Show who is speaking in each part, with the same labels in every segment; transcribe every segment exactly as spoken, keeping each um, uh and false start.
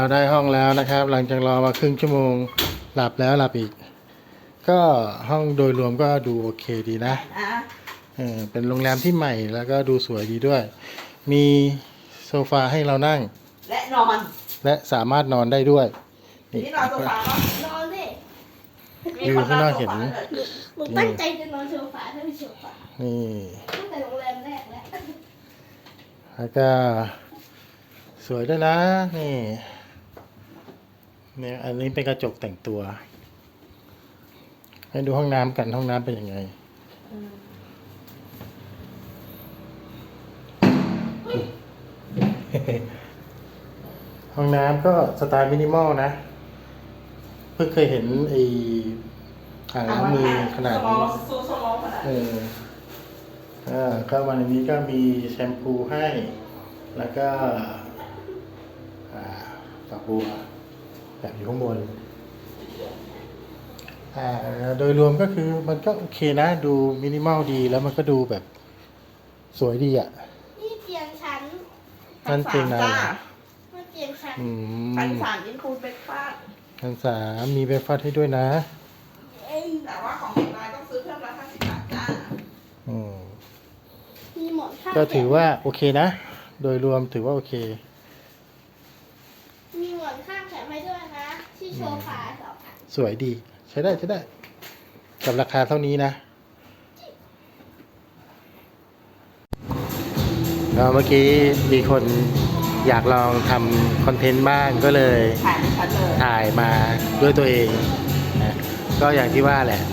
Speaker 1: ได้ห้องแล้วนะครับ หลังจากรอมาครึ่งชั่วโมงหลับแล้วหลับอีก ก็ห้องโดยรวมก็ดูโอเคดีนะเออเป็นโรงแรมที่ใหม่แล้วก็ดูสวยดีด้วย มีโซฟาให้เรานั่ง
Speaker 2: และนอน
Speaker 1: และสามารถนอนได้ด้วย
Speaker 2: นี่นอนโซฟาเนาะ
Speaker 3: นอนดิ
Speaker 1: วิวข้างนอกเห็น
Speaker 3: หนูตั้งใจจะนอนโซฟาถ้าไม่โซฟา
Speaker 1: นี่
Speaker 3: ตั้งแต่โรงแรมแรกแล้ว
Speaker 1: แล้วก็สวยด้วยนะนี่เนี่ยอันนี้เป็นกระจกแต่งตัว ให้ดูห้องน้ำกันห้องน้ำเป็นยังไง ห้องน้ำก็สไตล์มินิมอลนะ เพิ่งเคยเห็นไอ้อ่างล้างมือขนาดนี้เอออ่าก็วันนี้ก็มีแชมพูให้ แล้วก็อ่าฝักบัวแบบอยู่ข้างบนอ่าโดยรวมก็คือมันก็โอเคนะ ดูมินิมอลดีแล้วมันก็ดูแบบสวยดีอ่ะ
Speaker 3: นี่เตียงฉัน
Speaker 1: นั่นเตียงนาย
Speaker 3: นี่เตียงฉัน
Speaker 1: อืม
Speaker 2: ชั้นสามยินคูณเบรกฟาสต์
Speaker 1: ชั้นสามมีเบรกฟาสต์ให้ด้วยนะ
Speaker 3: เอ้ย
Speaker 2: แต่ว่าของเด็กน้อยต้องซื้อเพิ่มละห้าสิบบาทจ้า
Speaker 1: อืม
Speaker 3: มีหมอนข้าง
Speaker 1: ก็ถือว่าโอเคนะ โดยรวมถือว่าโอเค
Speaker 3: มีหมอนข้างแถมให้ด้วยนะ ที่โซฟาสองอัน
Speaker 1: สวยดี ใช้ได้ใช้ได้ กับราคาเท่านี้นะแล้วเมื่อกี้มีคนอยากลองทำคอนเทนต์บ้างก็เลย
Speaker 2: ถ่ายไม่ชัดเลย
Speaker 1: ถ่ายมาด้วยตัวเองนะก็อย่างที่ว่าแหละ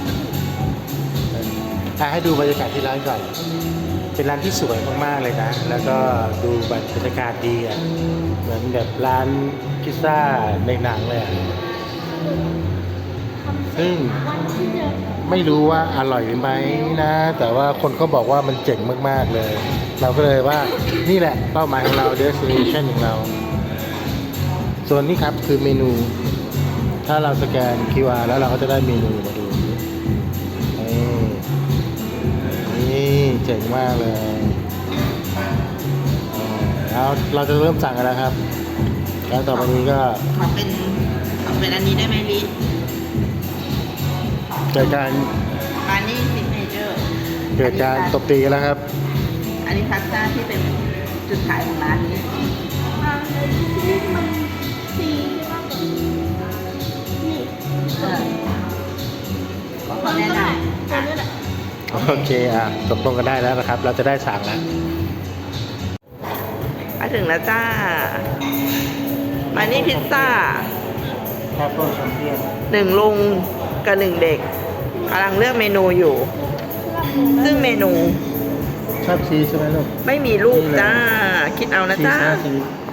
Speaker 1: อ่ะให้ดูบรรยากาศที่ร้านก่อน เป็นร้านที่สวยมากๆเลยนะ แล้วก็ดูบรรยากาศดีอ่ะ เหมือนแบบร้านพิซซ่าในหนังเลยอ่ะ ซึ่ง
Speaker 3: วันที่เจอ
Speaker 1: ไม่รู้ว่าอร่อยไหมนะ แต่ว่าคนก็บอกว่ามันเจ๋งมากๆเลย เราก็เลยว่านี่แหละเป้าหมายของเรา destination ของเรา ส่วนนี้ครับคือเมนู ถ้าเราสแกน คิว อาร์ แล้วเราก็จะได้เมนูมาดู นี่นี่เจ๋งมากเลยแล้วเราจะเริ่มสั่งกันแล้วครับ แล้วต่อไปนี้ก็
Speaker 2: ขอเป็นขอเป็นอันนี้ได้ไหมลิ
Speaker 1: เกิดการ
Speaker 2: มานี่ซิกเนเจอร์
Speaker 1: เกิดการตบตีกันแล้วครับ
Speaker 2: อันนี้พาสต้าที่เป็นจุดขายของร้านนี้
Speaker 3: มาเลยที่ทำซีใช่ไหมนี่
Speaker 2: เออขอ
Speaker 3: ตัว
Speaker 2: แนะ
Speaker 3: นี้
Speaker 2: น
Speaker 3: แหละตัวนี้แหละ
Speaker 1: โอเคอ่ะตกลงกันได้แล้วนะครับ เราจะได้สั่งแล้ว
Speaker 2: ำมาถึงแล้วจ้า มานี่พิซซ่า
Speaker 1: แอปเปิลแชมเปี้ยน
Speaker 2: หนึ่งลุงกับหนึ่งเด็กกำลังเลือกเมนูอยู่ ซึ่งเมนู
Speaker 1: ชอบชีสใช่ไหมลูก
Speaker 2: ไม่มีรูปจ้า คิดเอานะ
Speaker 1: ชีส
Speaker 2: จ้า
Speaker 1: นะชีส